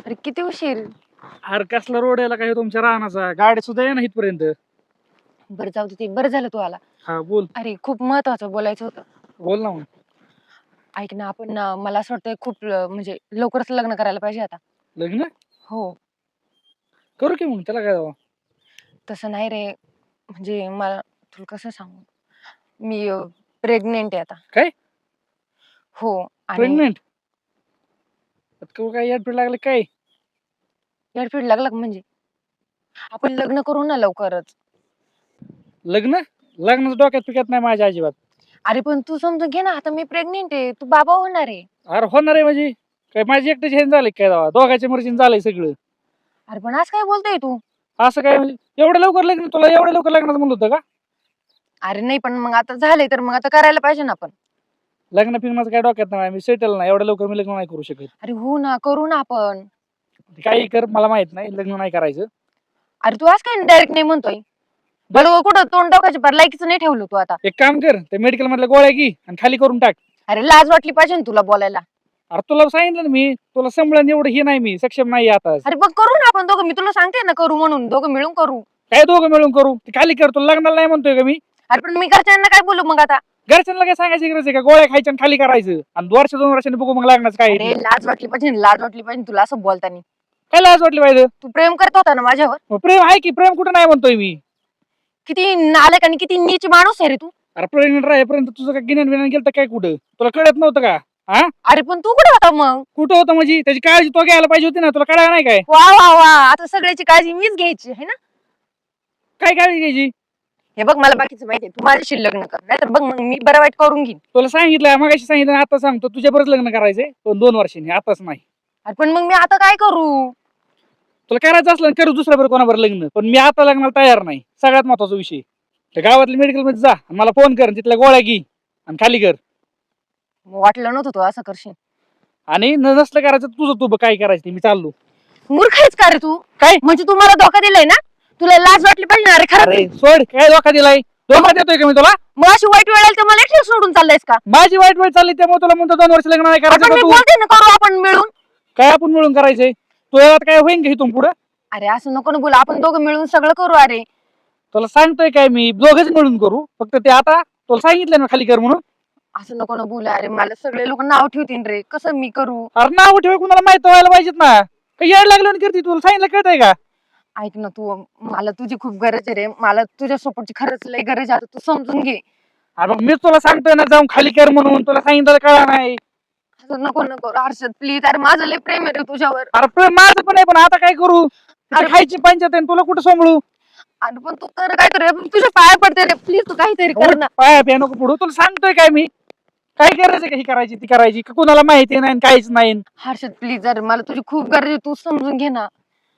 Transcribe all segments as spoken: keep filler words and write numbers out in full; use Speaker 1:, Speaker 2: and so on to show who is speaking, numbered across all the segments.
Speaker 1: अरे किती उशीर.
Speaker 2: अरे कसला रोड यायला काय तुमच्या रानाचा, गाडी सुद्धा आहे ना इथपर्यंत.
Speaker 1: बरं जाऊ दे, ते बरं झालं तू आला.
Speaker 2: हा बोल.
Speaker 1: अरे खूप महत्वाचं बोलायचं होतं.
Speaker 2: बोल ना मग.
Speaker 1: ऐक ना, आपण ना, मला असं वाटतंय खूप ल- म्हणजे लवकरच लग्न करायला पाहिजे आता.
Speaker 2: लग्न
Speaker 1: हो.
Speaker 2: करू की मग, त्याला काय जावं.
Speaker 1: तसं नाही रे, म्हणजे मला तुला कसं सांगू, मी प्रेग्नेंट आहे आता.
Speaker 2: काय
Speaker 1: हो. आणि
Speaker 2: प्रेग्नेंट? काय याड लागले काय?
Speaker 1: एअरफीड लागला का म्हणजे आपण लग्न करू ना लवकरच.
Speaker 2: लग्न लग्नाचं डोक्यात पिकत नाही माझ्या अजिबात.
Speaker 1: अरे पण तू समजून घे ना, आता मी प्रेग्नेंट आहे, तू बाबा होणार आहे.
Speaker 2: अरे होणार आहे म्हणजे काय, माझी एकट्याची हेन झाले काय जावा, दोघांच्या मर्जीने झालंय सगळं.
Speaker 1: अरे पण आज काय बोलतोय तू.
Speaker 2: असं काय म्हणजे एवढं लवकर लग्न, तुला एवढं लवकर लग्नाचं म्हणलं होतं का?
Speaker 1: अरे नाही, पण मग आता झालंय तर मग आता करायला पाहिजे ना आपण.
Speaker 2: लग्न फिरण्याचं काय डोक्यात नाही, मी सेटल नाही, एवढं लवकर मी लग्न नाही करू शकत.
Speaker 1: अरे हो ना, करू ना आपण.
Speaker 2: काही कर, मला माहित नाही, लग्न नाही करायचं.
Speaker 1: अरे तू आज काय डायरेक्ट नाही म्हणतोय. बरं कुठं तोंड टाकायचं, बरं लायकीचं नाही ठेवलं तू आता.
Speaker 2: एक काम कर, ते मेडिकल मधल्या गोळ्या घे आणि खाली करून टाक.
Speaker 1: अरे लाज वाटली पाहिजे ना तुला बोलायला.
Speaker 2: अरे तुला सांगितलं ना मी, तुला संभळण एवढं हे नाही, मी सक्षम नाही आता.
Speaker 1: अरे बघ करू ना आपण दोघं, मी तुला सांगते ना करू म्हणून, दोघं मिळून करू.
Speaker 2: काय दोघं मिळून करू? ते खाली कर, तुला लग्नाला नाही म्हणतोय का मी.
Speaker 1: अरे पण मी घरच्यांना काय बोलू मग आता.
Speaker 2: घरच्यांना काय सांगायची गरज आहे का? गोळ्या खायच्या आणि खाली करायचं, आणि वर्ष दोन वर्षांनी बघू मग लग्नाचं काय
Speaker 1: अरे
Speaker 2: आहे ते.
Speaker 1: लाज वाटली पाहिजे ना, लाज वाटली पाहिजे तुला असं बोलताना.
Speaker 2: काय लाज वाटली पाहिजे?
Speaker 1: तू प्रेम करत होता ना माझ्यावर.
Speaker 2: मग प्रेम आहे की, प्रेम कुठं नाही म्हणतोय मी.
Speaker 1: किती नालायक आणि किती नीच माणूस आहे रे तू.
Speaker 2: अरे प्रेग्नेंट राहेपर्यंत तुझं काय गिन्यान बिन्यान गेलं काय कुठं? तुला कळत नव्हतं का? हा
Speaker 1: अरे पण तू कुठे होता मग.
Speaker 2: कुठं होतं म्हणजे? त्याची काळजी तो घ्यायला पाहिजे होती ना, तुला कळलं नाही काय?
Speaker 1: वा वा वा, आता सगळ्याची काळजी मीच घ्यायची आहे ना.
Speaker 2: काय काळजी घ्यायची?
Speaker 1: हे बघ मला बाकीचं माहितीये, तू माझ्याशी लग्न कर, नाही तर बघ मग मी बरं वाईट करून घेईन.
Speaker 2: तुला सांगितलं, मगाशी सांगितलं, आता सांगतो, तुझ्या बरंच लग्न करायचंय पण दोन वर्षांनी, आताच नाही.
Speaker 1: अरे पण मग मी आता काय करू.
Speaker 2: तुला करायचं असलं करू दुसऱ्या बरोबर कोणाबरोबर लग्न, पण मी आता लग्नाला तयार नाही. सगळ्यात महत्वाचा विषय, त्या गावातल्या मेडिकल मध्ये जा आणि मला फोन कर, तिथल्या गोळ्या घे आणि खाली कर.
Speaker 1: वाटलं नव्हतं तू असं करशील.
Speaker 2: आणि न नसलं करायचं तुझं, तू बघ काय करायचं ते, मी चाललो.
Speaker 1: मूर्ख आहेस का रे तू.
Speaker 2: काय
Speaker 1: म्हणजे तू मला धोका दिलाय ना. तुला लाज वाटली पाहिजे ना. अरे खरं
Speaker 2: अरे सोड, काय धोका दिलाय? धोका देतोय का मी तुला?
Speaker 1: मग अशी वाईट वेळ आली तर मला एकटी सोडून चाललायस का.
Speaker 2: माझी वाईट वेळ चालली त्यामुळे तुला म्हणतो दोन वर्ष लग्न नाही करायचं
Speaker 1: आपण
Speaker 2: का
Speaker 1: मी
Speaker 2: तू?
Speaker 1: बोलते ना, करू आपण मिळून.
Speaker 2: काय आपण मिळून करायचंय? तुला आता काय होईन का इथून पुढं?
Speaker 1: अरे असं नको ना बोला, आपण दोघं मिळून सगळं करू. अरे
Speaker 2: तुला सांगतोय काय मी, दोघच मिळून करू. फक्त ते आता तुला सांगितलं ना खाली कर म्हणून.
Speaker 1: असं नको ना बोला. अरे मला सगळे लोक नाव ठेवतील रे, कसं मी करू.
Speaker 2: अरे नाव ठेवा, कुणाला माहित व्हायला पाहिजेत ना. काही याड लागलं आणि करते, तुला सांगितलं कळतंय का?
Speaker 1: ऐक ना तू, मला तुझी खूप गरज आहे रे, मला तुझ्या सपोर्टची खरंच लय गरज आहे, आता तू समजून घे.
Speaker 2: अरे मग मीच तुला सांगतोय ना जाऊन खाली कर म्हणून, तुला सांगितलं कळा नाही.
Speaker 1: असं नको नको हर्षद प्लीज. अरे माझं लय प्रेम आहे रे तुझ्यावर.
Speaker 2: अरे प्रेम माझं पण आहे, पण आता काय करू?
Speaker 1: अरे
Speaker 2: अरे खायची पंचायत आहे, तुला कुठं सांभाळू?
Speaker 1: अरे पण तू कर काय कर, तुझ्या पाया पडते रे, प्लीज तू काहीतरी कर ना.
Speaker 2: पाया पिया नको पुढू, तुला सांगतोय काय मी. काय करायचं का ही करायची ती करायची का, कुणाला माहिती नाही काहीच नाही.
Speaker 1: हर्षद प्लीज, अरे मला तुझी खूप गरज आहे, तू समजून घे ना.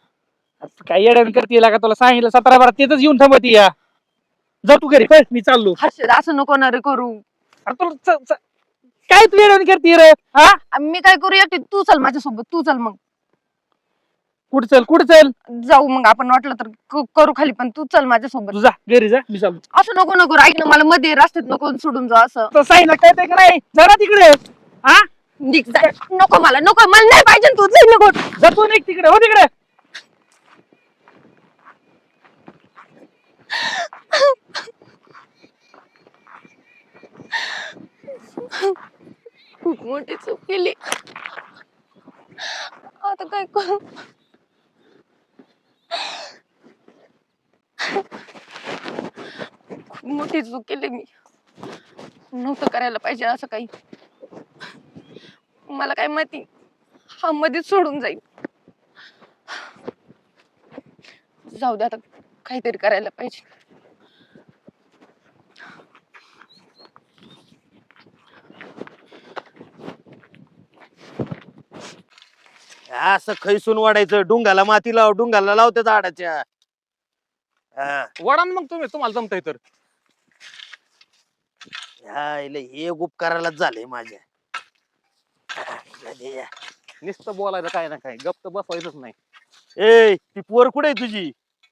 Speaker 2: काय येड्यान करते का? तुला सांगितलं सतरा बारा तिथंच येऊन थांबती या. जा तू घरी, पळ, मी चाललो.
Speaker 1: हर्षद असं नको ना रे करू.
Speaker 2: अरे तुला च- च- काय तू येड्यान करते रे? हा
Speaker 1: मी काय करू एकटी, तू चल माझ्यासोबत, तू चल मग.
Speaker 2: कुठं चल, कुठं चल?
Speaker 1: जाऊ मग आपण, वाटलं तर क- करू खाली, पण तू चल माझ्यासोबत.
Speaker 2: तू जा घरी, जा, मी चाललो.
Speaker 1: असं नको नको, ऐक ना, मला मध्ये रस्त्यात नको सोडून जा असं.
Speaker 2: तर सांगितलं कळतंय का नाही? जरा तिकडे. हा
Speaker 1: निघ जा. नको मला, नको मला नाही पाहिजे तू, जाई नको.
Speaker 2: जातो नाही तिकडे, हो तिकडे.
Speaker 1: खूप मोठी चूक केली, आता काय करू. खूप मोठी चूक केली मी, नव्हतं करायला पाहिजे असं काही. मला काय माहिती हा मध्येच सोडून जाईल. जाऊ दे, आता काहीतरी करायला पाहिजे.
Speaker 3: असं खैसून वाढायचं, डुंगाला माती लाव, डुंगाला लावते झाडाच्या. हा.
Speaker 4: वडा ना मग तुम्ही, तुम्हाला जमतंय तर.
Speaker 3: ह्या इले हे उपकारालाच झालंय माझ्या.
Speaker 4: नुसतं बोलायचं काय ना काय, गप्प बसवायचंच नाही.
Speaker 3: ए ती पोर कुठे आहे तुझी?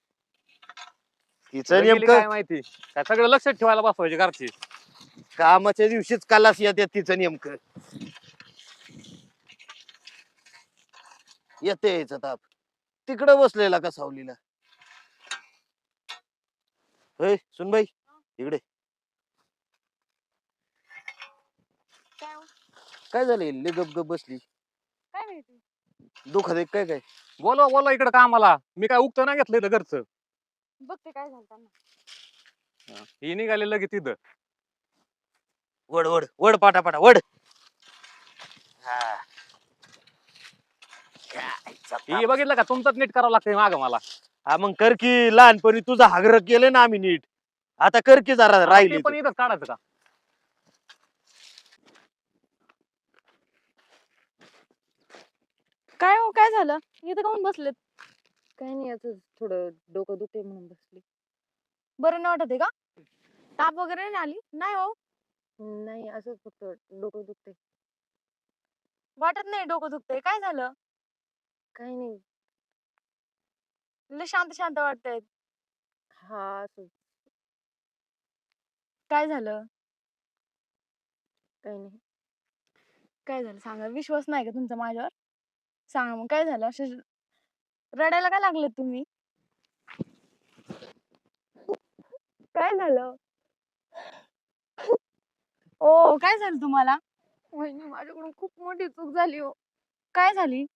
Speaker 3: तिचं
Speaker 4: कुठं गेली काय
Speaker 3: नेमकं
Speaker 4: माहिती, काय सगळं लक्षात ठेवायला बसवायचे घरची.
Speaker 3: कामाच्या दिवशीच कलास येतात तिचं नेमकं. येते यायचा ताप. तिकडं बसलेला का सावलीला. होय सुनबाई इकडे.
Speaker 1: काय हो?
Speaker 3: काय झालं लय गप गप बसली.
Speaker 1: काय माहिती
Speaker 3: दुखत आहे काय काय.
Speaker 4: बोलवा बोलवा इकडे कामाला. मी काय उगतं नाही घेतलं इथं घरचं.
Speaker 1: बघते काय झालं त्यांना.
Speaker 4: ही निघाले लगेच तिथं.
Speaker 3: वड वड वड पाटा पाटा वड. हा. खायचा
Speaker 4: ही
Speaker 3: ताप.
Speaker 4: बघितलं का तुमचंच नीट करावं लागतंय माग मला.
Speaker 3: हा मग कर की लहानपणी तुझा हागर केलं ना आम्ही नीट. आता कर की जरा
Speaker 4: आता
Speaker 3: राहिली
Speaker 4: ते पण इथंच काढायचं का?
Speaker 1: काय हो काय झालं इथं काऊन बसलेत. काही नाही असं थोडं डोकं दुखते म्हणून बसले. बरं नाही वाटत आहे का? ताप वगैरे नाही आली नाही हो. नाही असंच फक्त डोकं दुखते. वाटत नाही डोकं दुखतंय काय झालं. काही नाही लय शांत शांत वाटतंय. हा असं काय झालं. काही नाही काय झालं सांगा. विश्वास नाही का तुमचा माझ्यावर. सांगा मग काय झालं. असे रडायला काय लागले तुम्ही. काय झालं. ओ काय झालं तुम्हाला. वहिनी माझ्याकडून खूप मोठी चूक झाली हो. काय झाली.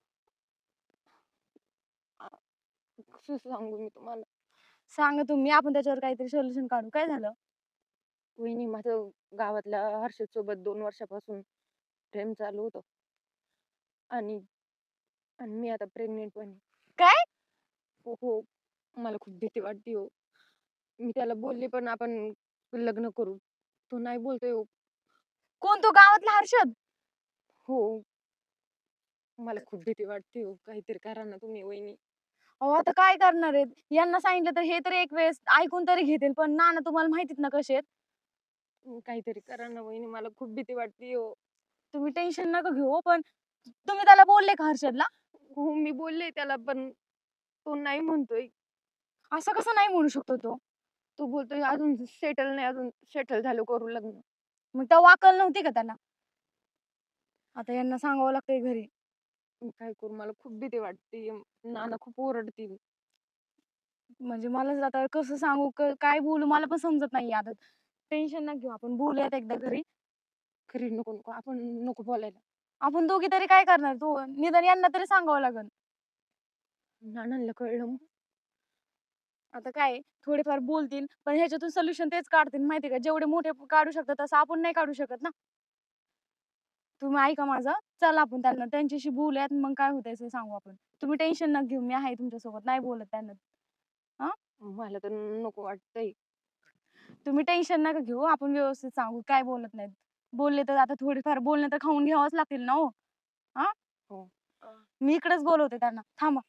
Speaker 1: कसं सांगू मी तुम्हाला. सांगा तुम्ही आपण त्याच्यावर काहीतरी सोल्युशन काढू. काय झालं. वहिनी माझं गावातल्या हर्षद सोबत दोन वर्षापासून प्रेम चालू होतं. आणि आणि मी आता प्रेग्नेंट पण आहे. काय हो हो मला खूप भीती वाटते हो. मी त्याला बोलले पण आपण लग्न करू. तो नाही बोलतोय हो. कोण तो गावातला हर्षद. हो मला खूप भीती वाटते हो. काहीतरी करा ना तुम्ही वहिनी. अहो आता काय करणार आहेत. यांना सांगितलं तर हे तर एक वेळेस ऐकून तरी घेतील पण नाना तुम्हाला माहितीत ना कसे आहेत. तुम्ही काहीतरी करा ना वहिनी मला खूप भीती वाटते हो. तुम्ही टेन्शन नका घेऊ हो, पण तुम्ही त्याला बोलले का हर्षदला. हो मी बोलले त्याला पण तो नाही म्हणतोय. असं कसं नाही म्हणू शकतो तो. तो बोलतोय अजून सेटल नाही अजून सेटल झालो करू लग्न. मग तेव्हा अक्कल नव्हती का त्याला. आता यांना सांगावं लागतंय घरी. मी काय करू मला खूप भीती वाटते. नाना खूप ओरडतील. म्हणजे मला आता कसं सांगू क- काय बोलू मला पण समजत नाही आता. टेन्शन नका घेऊ आपण बोलूयात एकदा घरी. घरी नको नको आपण नको बोलायला. आपण दोघी तरी काय करणार तू निदान यांना तरी सांगावं लागल. नानांना कळलं मग. आता काय थोडेफार बोलतील पण ह्याच्यातून सोल्युशन तेच काढतील माहिती का. जेवढे मोठे काढू शकतात तसं आपण नाही काढू शकत ना. तुम्ही ऐका माझं. चला आपण त्यांना त्यांच्याशी बोलूयात मग काय होतंय ते सांगू आपण. तुम्ही टेन्शन नका घेऊ मी आहे तुमच्यासोबत नाही बोलत त्यांना. हा मला तर नको वाटतंय. तुम्ही टेन्शन नका घेऊ आपण व्यवस्थित सांगू काय बोलत नाहीत. बोलले तर आता थोडीफार बोलणे तर खाऊन घ्यावंच लागतील ना हो. हा हो मी इकडेच बोलवते त्यांना थांबा.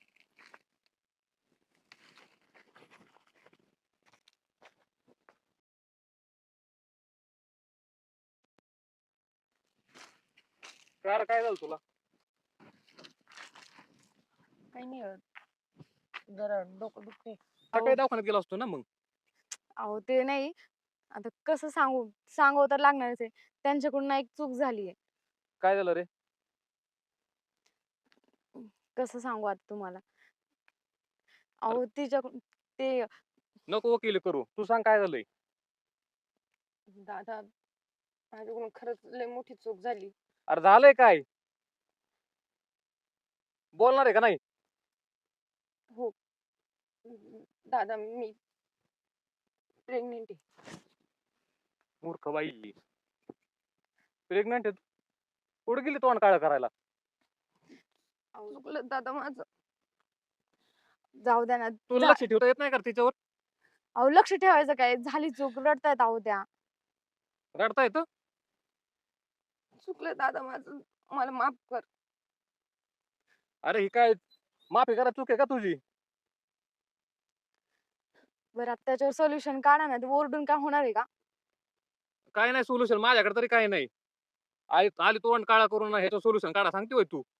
Speaker 4: काय काय झालं तुला.
Speaker 1: काही नाही होत. जरा डोकं दुखते.
Speaker 4: सकाळी दवाखान्यात गेला असतो ना मग.
Speaker 1: अहो ते नाही आता कसं सांगू सांगावं तर लागणारच आहे. त्यांच्याकडून ना एक चूक झालीये.
Speaker 4: काय झालं रे.
Speaker 1: कसं सांगू आता तुम्हाला. अहो तिच्याकडून ते
Speaker 4: नको वकिली करू. तू सांग काय झालंय.
Speaker 1: दादा माझ्याकडून खरंच लय मोठी चूक झाली.
Speaker 4: अरे झालंय काय. बोलणार आहे का नाही.
Speaker 1: हो दादा मी प्रेग्नेंट आहे.
Speaker 4: मूर्ख बाई. प्रेग्नंट आहे. कुठे गेली तोंड काळं करायला.
Speaker 1: अहो चुकलं दादा माझं. जाऊ द्या ना.
Speaker 4: तुला
Speaker 1: जा-
Speaker 4: लक्ष ठेवता येत नाही का तिच्यावर.
Speaker 1: अहो लक्ष ठेवायचं काय झाली चूक रडतायत अहो त्या.
Speaker 4: रडता येतं.
Speaker 1: चुकलं दादा माझं मला माफ कर.
Speaker 4: अरे ही काय माफी करा चूक आहे का तुझी.
Speaker 1: बरं आता त्याच्यावर सोल्युशन काढा ना. ते ओरडून काय होणार आहे का.
Speaker 4: काय नाही सोल्युशन माझ्याकडे तरी काय नाही. आई आली तोंड काळा करून ह्याचं सोल्युशन काढा सांगते होय तू.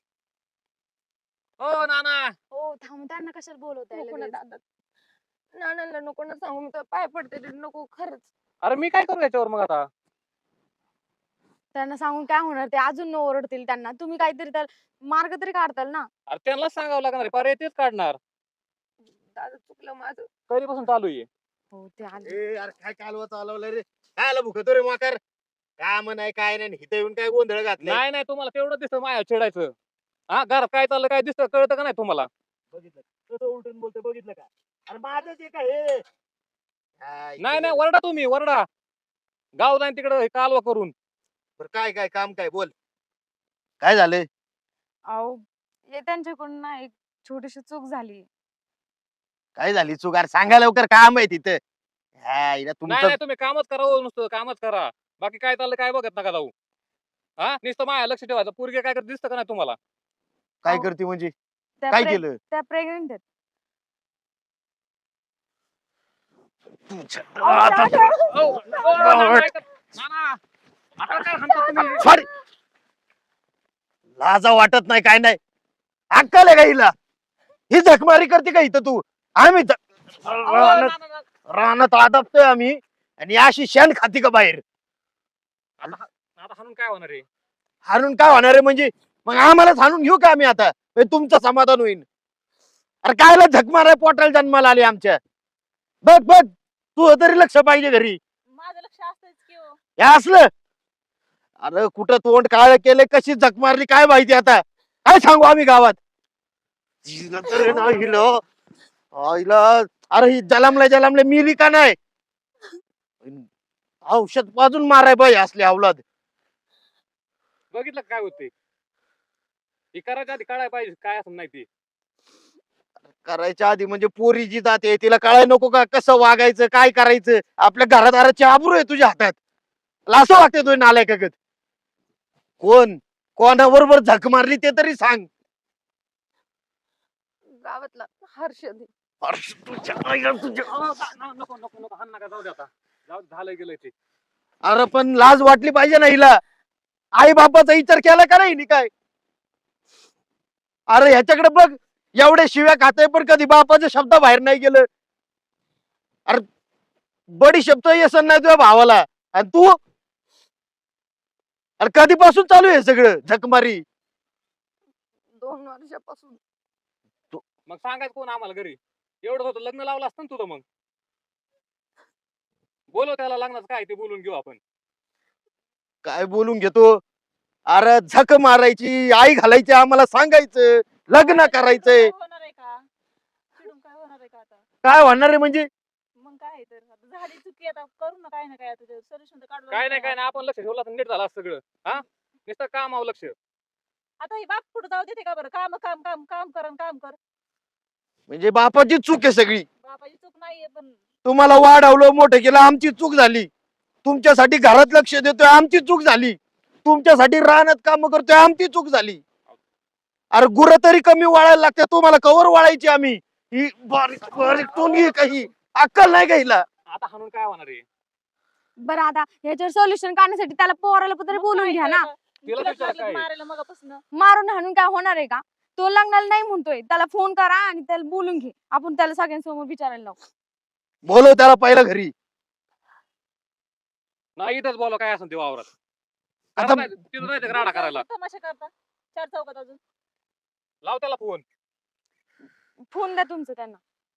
Speaker 4: हो नाना.
Speaker 1: हो थांब त्यांना कशाला बोलवताय लगेच. दादा नानांना नको ना सांगू मी तर पाय पडते रे, नको खरंच.
Speaker 4: अरे मी काय करू याच्यावर मग आता.
Speaker 1: त्यांना सांगून काय होणार, ते अजून ओरडतील त्यांना. तुम्ही काहीतरी तर मार्ग तरी काढताल ना.
Speaker 4: अरे त्यांनाच सांगावं लागणार आहे, पर्याय तेच काढणार.
Speaker 1: दादा चुकलं माझं.
Speaker 4: कधीपासून चालू आहे?
Speaker 1: हो ते आले.
Speaker 3: ए यार काय कालवा चालवलं रे, काय आला भुकतो रे माकार, काम नाही काय नाही, इथं येऊन काय गोंधळ घातलाय.
Speaker 4: नाही नाही, तुम्हाला तेवढं दिसतं माया चिडायचं. हा, घरात काय चाललं काय दिसतं, कळतं का नाही तुम्हाला?
Speaker 3: बघितलं कसं उलटून बोलतोय, बघितलं का? अरे माझंच आहे का हे? हा, इथे
Speaker 4: नाही नाही,
Speaker 3: ये.
Speaker 4: वरडा तुम्ही, वरडा. गाव जाईन तिकडे कालवा करून.
Speaker 3: बरं काय काय काम काय बोल, काय झालंय?
Speaker 1: अहो हे त्यांच्याकडून ना एक छोटीशी चूक झाली.
Speaker 3: काय झाली चुगार, सांगा लवकर, काम आहे तिथं. हा, इला
Speaker 4: नाही
Speaker 3: तुमचं
Speaker 4: नाही, तुम्ही कामच करा हो, नुसतं कामच करा. बाकी काय चाललं काय बघत नका जाऊ. हा, नुसतं माया लक्ष ठेवायचं. पोरगे काय करत दिसतं का नाही तुम्हाला?
Speaker 3: काय
Speaker 1: अहो,
Speaker 3: करते म्हणजे,
Speaker 1: त्या
Speaker 3: काय
Speaker 1: प्रे-
Speaker 3: केलं?
Speaker 1: त्या प्रेग्नेंट आहेत.
Speaker 3: तुमच्या-
Speaker 1: अहो,
Speaker 3: आता-
Speaker 1: दादा.
Speaker 4: ओ, ओ, नाना, ऐका. नाना, आता काय हाणता तुम्ही?
Speaker 3: सॉरी, लाजा वाटत नाही काय नाही, अक्कल आहे का हिला? ही झकमारी करते का इथं तू? आम्ही ज-
Speaker 4: ओ,
Speaker 3: रानात
Speaker 4: नाना, नाना.
Speaker 3: रानात आदबतोय आम्ही, आणि अशी शेण खाती का बाहेर?
Speaker 4: आता हा- आता हाणून काय होणार आहे?
Speaker 3: हारून काय होणार आहे म्हणजे? मग आम्हालाच हाणून घेऊ का आम्ही आता? म्हणजे तुमचं समाधान होईल. अरे कायला झक माराय, पोटाला जन्माला आले आमच्या. बघ बघ, तू तरी लक्ष पाहिजे घरी.
Speaker 5: माझं लक्ष असतंच की हो.
Speaker 3: हे असलं, अरे कुठं तोंड काळ केले, कशी झक मारली काय माहिती आता, काय सांगू आम्ही गावात? हिला तर आहे ना, हिला आईला, अरे ही जलमले जलमले मिली का नाही? औषध पाजून माराय बाई असले अवलाद.
Speaker 4: बघितलं का काय होते? हे करायच्या आधी कळायला पाहिजे काय असं नाही ते.
Speaker 3: करायच्या आधी म्हणजे पोरी जी जाते तिला कळाय नको का कसं वागायचं, काय करायचं? आपल्या घरादाराची आबरू आहे तुझ्या हातात, तुला असं वाटतं तुझ्या नालायकागत? कोण कोणाबरोबर झक मारली ते तरी सांग.
Speaker 1: गावातला हर्षद आहे.
Speaker 3: अरे तुझ्या आईला तुझ्या-
Speaker 4: अहो, ना- ना- नको नको नको, हाण नका, जाऊ दे आता. जाऊ दे, झालं गेलं ते.
Speaker 3: अरे पण लाज वाटली पाहिजे ना हिला, आई बापाचा विचार केला का नाही हिने काय? अरे ह्याच्याकडे बघ, एवढे शिव्या खाते पण कधी बापाचे शब्द बाहेर नाही गेलं. अरे बडी शब्द येसन नाही तुझ्या भावाला, आणि तू, अरे कधीपासून चालू आहे हे सगळं झकमारी?
Speaker 1: दोन वर्षापासून.
Speaker 4: मग सांगायचं कोण आम्हाला घरी? एवढं होतं, लग्न लावलं असतं ना तुझं मग. बोलव त्याला, लग्नाचं काय ते बोलून घेऊ आपण.
Speaker 3: काय बोलून घेतो? अरे झक मारायची, आई घालायची, आम्हाला सांगायचं, लग्न करायचंय.
Speaker 5: चिडून काय होणार आहे का? चिडून काय होणार आहे का आता?
Speaker 3: काय होणार आहे म्हणजे?
Speaker 5: मग काय आहे तर आता झाली चुकी, आता करू ना काय ना काय, आता सोल्युशन तर काढू
Speaker 4: काय नाही काय नाही, आपण लक्ष ठेवलं तर नीट झालं असतं सगळं. हा, नुसतं कामावर लक्ष.
Speaker 5: आता ही बाप पुढे जाऊ देते का बरं? काम काम काम काम कर अन काम कर.
Speaker 3: म्हणजे बापाची चूक आहे सगळी.
Speaker 5: बापाची चूक नाहीये, पण
Speaker 3: तुम्हाला वाढवलं, मोठं केलं, आमची चूक झाली. तुमच्यासाठी घरात लक्ष देतोय, आमची चूक झाली. तुमच्यासाठी रानात काम करतोय, आमची चूक झाली. अरे गुरं तरी कमी वाळायला लागते, तुम्हाला कवर वाळायची आम्ही? ही बारीक बारीक टोनगी काही अक्कल नाही का हिला?
Speaker 4: आता हाणून काय होणार आहे?
Speaker 1: बरं आता ह्याच्यावर सोल्युशन काढण्यासाठी त्याला पोराला तरी
Speaker 5: मग
Speaker 1: बोलून
Speaker 5: काय
Speaker 1: घ्या ना.
Speaker 5: केलं?
Speaker 4: तिला
Speaker 5: तिलाच
Speaker 4: विचारा
Speaker 5: लागलं
Speaker 4: काय?
Speaker 5: मारायला मगापासून.
Speaker 1: मारून हाणून काय होणार आहे का? तो लग्नाला नाही म्हणतोय, त्याला फोन करा आणि त्याला बोलून घे. आपण त्याला सगळ्यांसमोर विचारायला लावू.
Speaker 3: बोलव त्याला पहिलं घरी.
Speaker 4: नाही, इथंच बोला काय असं ते वावरात.
Speaker 3: आता-
Speaker 4: आता तिथं जायचं का राडा करायला?
Speaker 5: तमाशा करता चार चौकात अजून.
Speaker 4: लाव त्याला फोन.
Speaker 1: फोन द्या तुमचं त्यांना.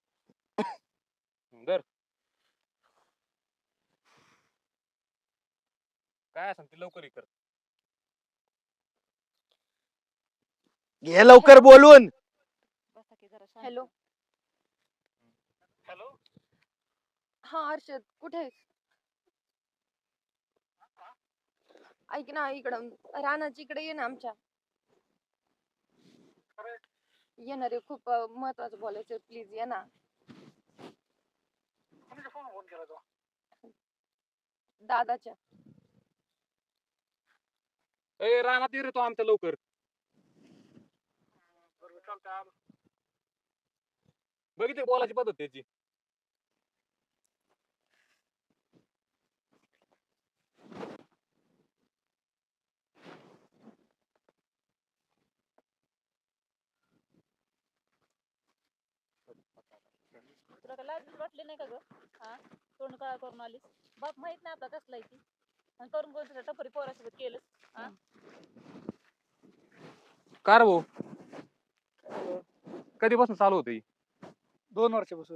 Speaker 4: दर काय असं ते लवकर हे कर.
Speaker 3: घे लवकर बोलून.
Speaker 5: बसा की जरा शांत.
Speaker 1: हॅलो.
Speaker 4: हॅलो.
Speaker 1: हा हर्षद, कुठे आहेस? ऐक ना, इकडं रानाची इकडे ये ना आमच्या. येणार आहे, खूप अं, महत्वाचं बोलायचं, प्लीज ये ना. दादाच्या.
Speaker 4: ए, रानात ये रे तो आमच्या लवकर. बघितली बोलायची पद्धत त्याची.
Speaker 5: तुला काय लाज बीज वाटली नाही का ग? हा, तोंड काळा करून आलीस. बाप माहित नाही आपला कसला आहे ती. आणि करून करून तुझ्या टपरी पोरासोबत केलं. हा?
Speaker 4: का रे भाऊ कधीपासून चालू होते
Speaker 2: दोन वर्षापासून.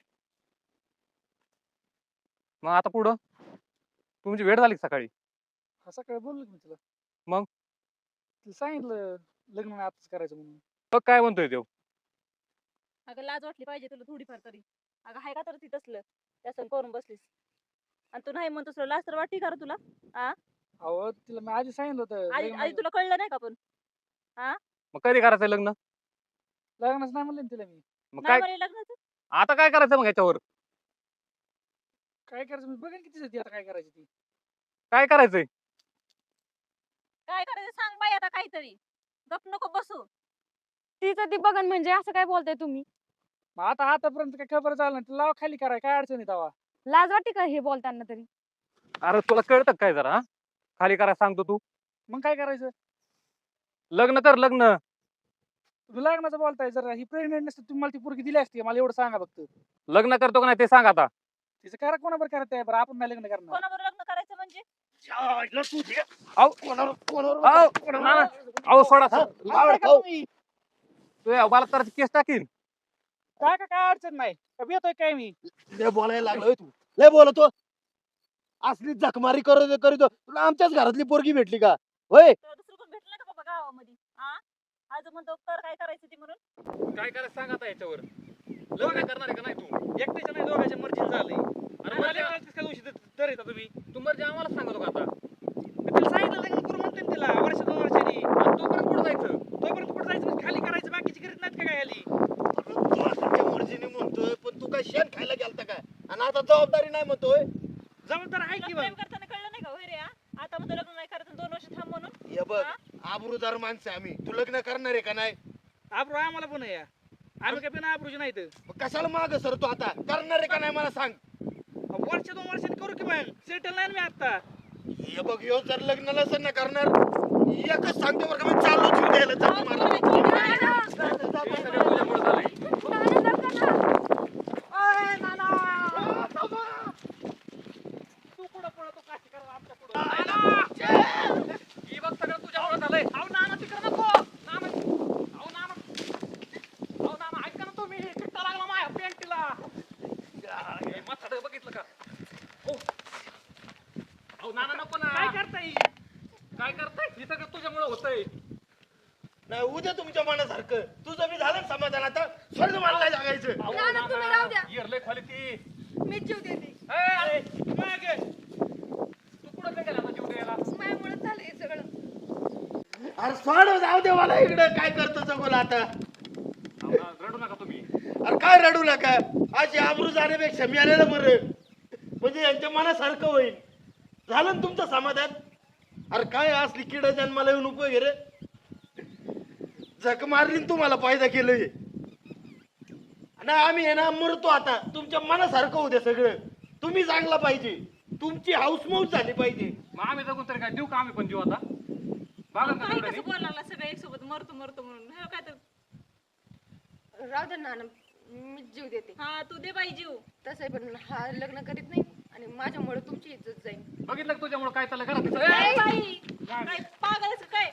Speaker 4: मग आता पुढं तुमची भेट झाली का सकाळी?
Speaker 2: हा सकाळी बोललो की मी तुला.
Speaker 4: मग?
Speaker 2: तिला सांगितलं लग्न नाही आताच करायचं म्हणून.
Speaker 4: बघ काय म्हणतोय तो.
Speaker 5: अगं लाज वाटली पाहिजे तुला थोडीफार तरी. अगं हाय का तर ती तसलं त्यासन करून बसलीस आणि तू नाही म्हणतोस तुला लाज तर वाटते का रे तुला?
Speaker 2: अहो तिला मी आधी सांगितलं होतं
Speaker 5: आधी
Speaker 2: लग्न
Speaker 5: आधी तुला कळलं नाही का पण?
Speaker 4: मग कधी करायचंय लग्न?
Speaker 2: लग्नच नाही म्हणलं ना तिला मी.
Speaker 4: मग
Speaker 5: नाही
Speaker 4: काय
Speaker 5: म्हणे लग्नाचं.
Speaker 4: आता काय करायचं मग याच्यावर?
Speaker 2: काय करायचं मी बघेन किती ती आता काय करायची ती.
Speaker 4: काय करायचंय?
Speaker 5: काय करायचं सांग बाई आता काहीतरी. गप नको बसू.
Speaker 1: तिचं ती बघन म्हणजे असं काय बोलताय तुम्ही?
Speaker 2: मग आता आतापर्यंत काय खबर झालं नाही तिला लाव खाली कराय काय अडचण आहे तेव्हा.
Speaker 1: लाज वाटते का हे बोलताना तरी?
Speaker 4: अरे तुला कळतं का काय जरा हा? खाली करायला सांगतो तू.
Speaker 2: मग काय करायचं?
Speaker 4: लग्न कर लग्न.
Speaker 2: तुम्ही लग्नाचं बोलताय जरा ही प्रेग्नेंट नसते तुम्ही मला ती पोरगी दिली असती मला एवढं सांगा फक्त.
Speaker 4: लग्न करतो का नाही ते सांग आता.
Speaker 2: तिचं करा कोणाबर करत आहे बरं आपण नाही लग्न करणार.
Speaker 5: कोणाबरोबर लग्न करायचं म्हणजे?
Speaker 4: अहो
Speaker 3: कोणावर कोणावर
Speaker 4: अहो,
Speaker 3: कोणावर-
Speaker 4: ना, ना. अहो सोडा
Speaker 3: हा?
Speaker 4: सोडा.
Speaker 3: लावड
Speaker 2: काय
Speaker 3: खाऊ.
Speaker 2: तुम्ही?
Speaker 4: तू बलात्काराची केस टाकीन.
Speaker 2: काय का काय अडचण नाही का येतोय काय मी.
Speaker 3: लय बोलायला लागलोय तू लय बोलतो. असली जखमारी करत करीतो तुला आमच्याच घरातली पोरगी भेटली का होय?
Speaker 5: तुला दुसरं कोण भेटलं का बाबा गावामध्ये? हा? आज म्हणतो कर काय करायचं ती म्हणून.
Speaker 4: काय करायचं सांग आता याच्यावर. लग्न करणार आहे का नाही तू?
Speaker 2: एकट्याच्या नाही दोघांच्या मर्जीने झालंय.
Speaker 4: अरे
Speaker 2: मला
Speaker 4: मर्जी-
Speaker 2: एकट्याच काय दिवशी तर येता तुम्ही.
Speaker 4: तू मर्जी आम्हाला सांगतो का आता?
Speaker 2: तिला सांगितलं लग्न करू म्हणते ना तिला वर्ष दोन वर्षांनी.
Speaker 4: आणि तोपर्यंत पुढे जायचं.
Speaker 2: तोपर्यंत कुठं जायचं म्हणजे खाली करायचं बाकीची करीत नाहीत का काय आली.
Speaker 3: तू आता त्या मर्जीने म्हणतोय पण तू काय शेण खायला गेलता काय आणि आता जबाबदारी नाही म्हणतोय.
Speaker 2: जबाबदार आहे
Speaker 5: तुला
Speaker 2: की
Speaker 5: प्रेम
Speaker 2: मग.
Speaker 5: करताना कळलं नाही का होय रे? हा? आता म्हणतो लग्न नाही करायचं दोन वर्ष थांब म्हणून.
Speaker 3: हे बघ
Speaker 5: हा?
Speaker 3: आबरूदार माणसं आहे आम्ही तू लग्न करणार आहे का नाही?
Speaker 2: आबरू आम्हाला पण आहे. आम्ही काय बिना आबरूची नाही तर.
Speaker 3: मग कशाला माग सर तू आता करणार आहे का नाही मला सांग.
Speaker 2: वर्ष दोन वर्षांनी करू की मग सेटल नाही ना मी आता.
Speaker 3: हे बघ ह्यो जर लग्न नसेल ना करणार एकच सांगतो बरं का मी चाललो जीव द्यायला जातो मला.
Speaker 4: हे सगळं तुझ्यामुळे झालंय.
Speaker 2: तू कुठं पळतो काशी करा आमच्या पुढं.
Speaker 4: ही बघ सगळं तुझ्यामुळे झालंय.
Speaker 2: अहो नाना तिकडं नको.
Speaker 4: नाना, अहो नाना, अहो नाना ऐका ना तुम्ही. चिट्टा लागला माझ्या पॅन्टीला. हे म्हातारं बघितलं का? ओ. अहो नाना नको ना.
Speaker 2: काय करताय?
Speaker 4: काय करताय? हे सगळं तुझ्यामुळे होतंय.
Speaker 3: नाही उद्या तुमच्या मनासारखं तुझं मी झालं ना समाधान आता स्वर्ग मला नाही जागायचं.
Speaker 4: अहो,
Speaker 1: नाना, तुम्ही राहू द्या.
Speaker 4: येर लय खाली ती.
Speaker 1: मी जीव देते.
Speaker 4: ए, अरे,
Speaker 2: मग
Speaker 4: तू कुठं काय गेला आता जीव द्यायला?
Speaker 1: माझ्यामुळे झालं हे सगळं.
Speaker 3: अरे सोड जाऊ दे मला इकडे काय करतो चकोला आता.
Speaker 4: अहो, ना, रडू नका तुम्ही.
Speaker 3: अरे काय रडू नका अशी आबरू जाण्यापेक्षा मी आलेलं बरं म्हणजे यांच्या मनासारखं होईल. झालं ना तुमचं समाधान. अरे काय असली किड जन्माला येऊन उपयोग आहे रे. झक मारली न तुम्हाला फायदा केलंय ना. आम्ही आहे ना मरतो आता तुमच्या मनासारखं होते सगळं. तुम्ही चांगला पाहिजे तुमची हाऊसमौज झाली पाहिजे.
Speaker 4: मग आम्ही जगून तरी काय देऊ का आम्ही पण जीव आता? बघा का
Speaker 5: काही
Speaker 4: तेवढं
Speaker 5: कसं बोलायला लागला सगळ्या एक सोबत मरतो मरतो म्हणून. हे काय तर
Speaker 1: राहू दे नाना, मी जीव देते.
Speaker 5: हा तू दे बाई जीव.
Speaker 1: तसंही पण हा लग्न करीत नाही आणि माझ्यामुळे तुमची इज्जत जाईल.
Speaker 4: बघितलं का तुझ्यामुळे काय चाललं घरात?
Speaker 5: काय
Speaker 4: ए,
Speaker 5: बाई काय पागल आहेस का काय?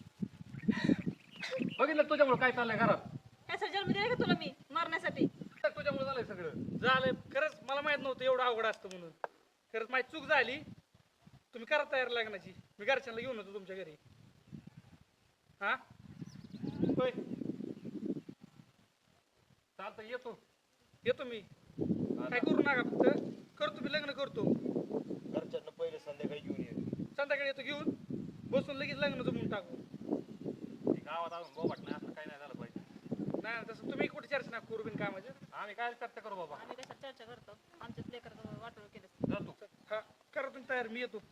Speaker 4: बघितलं का तुझ्यामुळे काय चाललंय घरात?
Speaker 5: काय जन्म दिला का तुला मी मरण्यासाठी?
Speaker 4: तुझ्यामुळे झालंय सगळं.
Speaker 2: झालंय खरंच मला माहित नव्हतं एवढं अवघड असतं म्हणून. खरंच माझी चूक झाली. तुम्ही करा तयार लग्नाची. मी घरच्यांना घेऊन होतो तुमच्या घरी. हा होय
Speaker 4: चालतं येतो.
Speaker 2: येतो मी. काय करू नका फक्त करतो मी लग्न करतो.
Speaker 3: घरच्यांना पहिले संध्याकाळी घेऊन ये.
Speaker 2: संध्याकाळी येतो घेऊन बसून लगेच लग्न जमून टाकू.
Speaker 4: ती गावात अजून बोबाट नाही असं काही नाही झालं पाहिजे.
Speaker 2: नाही ना, तसं तुम्ही कुठे चर्चा नका करू बिन कामाचे.
Speaker 4: आम्ही काय चर्चा करू बाबा?
Speaker 5: आम्ही कशा चर्चा करतो? आमच्याच लेकराचं वाटोळ केलं.
Speaker 4: जातो.
Speaker 2: हा करा तुम्ही तयार मी येतो.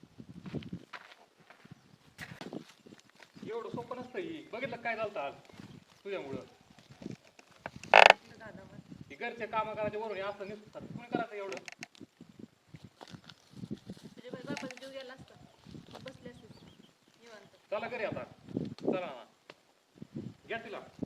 Speaker 4: एवढं सोपं नसतं ही. बघितलं काय झालं आज तुझ्यामुळं? ही घरचे काम करायचे वरून हे असं निसतात. तुम्ही करायचं एवढं?
Speaker 5: तुझ्या बाई बापाचा जीव गेला असता बसले असते निवांत.
Speaker 4: चला घरी आता. चला ना. घ्या तिला.